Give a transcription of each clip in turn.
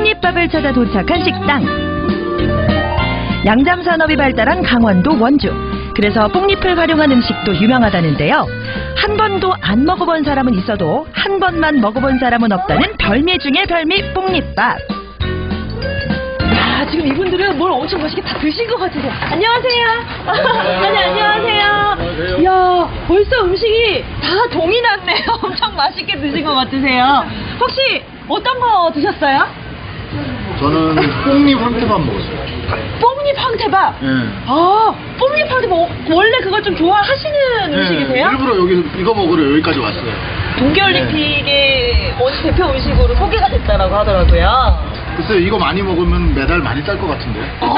뽕잎밥을 찾아 도착한 식당. 양잠산업이 발달한 강원도 원주. 그래서 뽕잎을 활용한 음식도 유명하다는데요. 한 번도 안 먹어본 사람은 있어도 한 번만 먹어본 사람은 없다는 별미 중의 별미 뽕잎밥. 야, 지금 이분들은 뭘 엄청 맛있게 다 드신 것 같으세요. 안녕하세요. 네, 안녕하세요. 이야, 벌써 음식이 다 동이 났네요. 엄청 맛있게 드신 것 같으세요. 혹시 어떤 거 드셨어요? 저는 뽕잎 황태밥 먹었어요. 뽕잎 황태밥? 예. 아, 뽕잎 황태밥 원래 그걸 좀 좋아하시는 음식이세요? 일부러 여기 이거 먹으러 여기까지 왔어요. 동계올림픽의 대표 음식으로 소개가 됐다라고 하더라고요. 글쎄요, 이거 많이 먹으면 메달 많이 딸 것 같은데.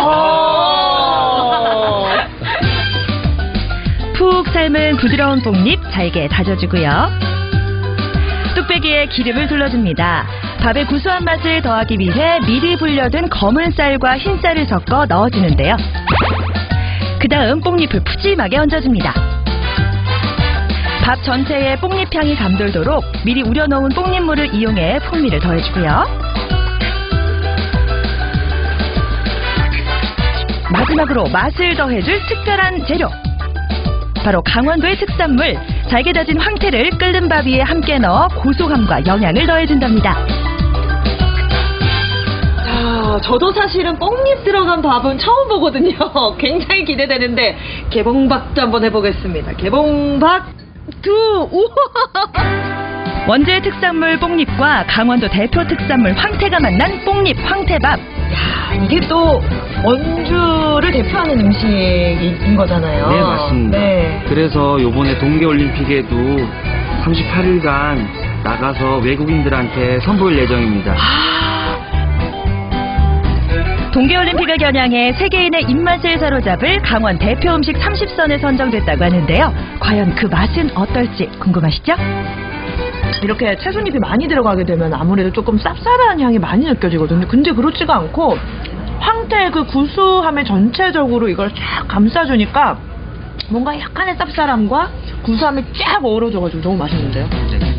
푹 삶은 부드러운 뽕잎 잘게 다져주고요. 뚝배기에 기름을 둘러줍니다. 밥의 구수한 맛을 더하기 위해 미리 불려둔 검은 쌀과 흰 쌀을 섞어 넣어주는데요. 그 다음 뽕잎을 푸짐하게 얹어줍니다. 밥 전체에 뽕잎 향이 감돌도록 미리 우려놓은 뽕잎물을 이용해 풍미를 더해주고요. 마지막으로 맛을 더해줄 특별한 재료. 바로 강원도의 특산물 잘게 다진 황태를 끓는 밥 위에 함께 넣어 고소함과 영양을 더해준답니다. 자, 저도 사실은 뽕잎 들어간 밥은 처음 보거든요. 굉장히 기대되는데 개봉박도 한번 해보겠습니다. 개봉박 두! 우와! 원주의 특산물 뽕잎과 강원도 대표 특산물 황태가 만난 뽕잎 황태밥. 야, 이게 또 원주를 대표하는 음식인 거잖아요. 네, 맞습니다. 네. 그래서 요번에 동계올림픽에도 38일간 나가서 외국인들한테 선보일 예정입니다. 동계올림픽을 겨냥해 세계인의 입맛을 사로잡을 강원 대표 음식 30선에 선정됐다고 하는데요. 과연 그 맛은 어떨지 궁금하시죠? 이렇게 채소잎이 많이 들어가게 되면 아무래도 조금 쌉쌀한 향이 많이 느껴지거든요. 근데 그렇지가 않고 황태의 그 구수함을 전체적으로 이걸 쫙 감싸주니까 뭔가 약간의 쌉쌀함과 구수함이 쫙 어우러져가지고 너무 맛있는데요.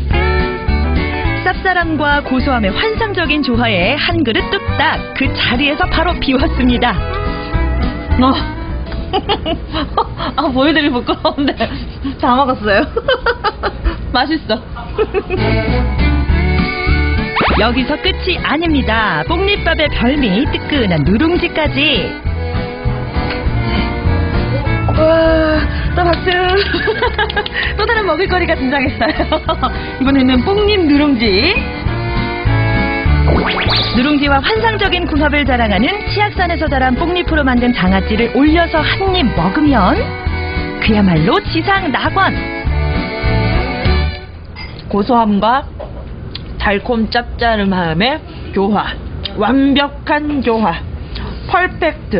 쌉쌀함과 고소함의 환상적인 조화에 한 그릇 뚝딱 그 자리에서 바로 비웠습니다. 보여드리기 부끄러운데 다 먹었어요. 맛있어. 여기서 끝이 아닙니다. 뽕잎밥의 별미 뜨끈한 누룽지까지. 와, 또 박수. 또 다른 먹을거리가 등장했어요. 이번에는 뽕잎 누룽지. 누룽지와 환상적인 궁합을 자랑하는 치악산에서 자란 뽕잎으로 만든 장아찌를 올려서 한 입 먹으면 그야말로 지상 낙원. 고소함과 달콤 짭짤함의 교화, 완벽한 교화, 퍼펙트.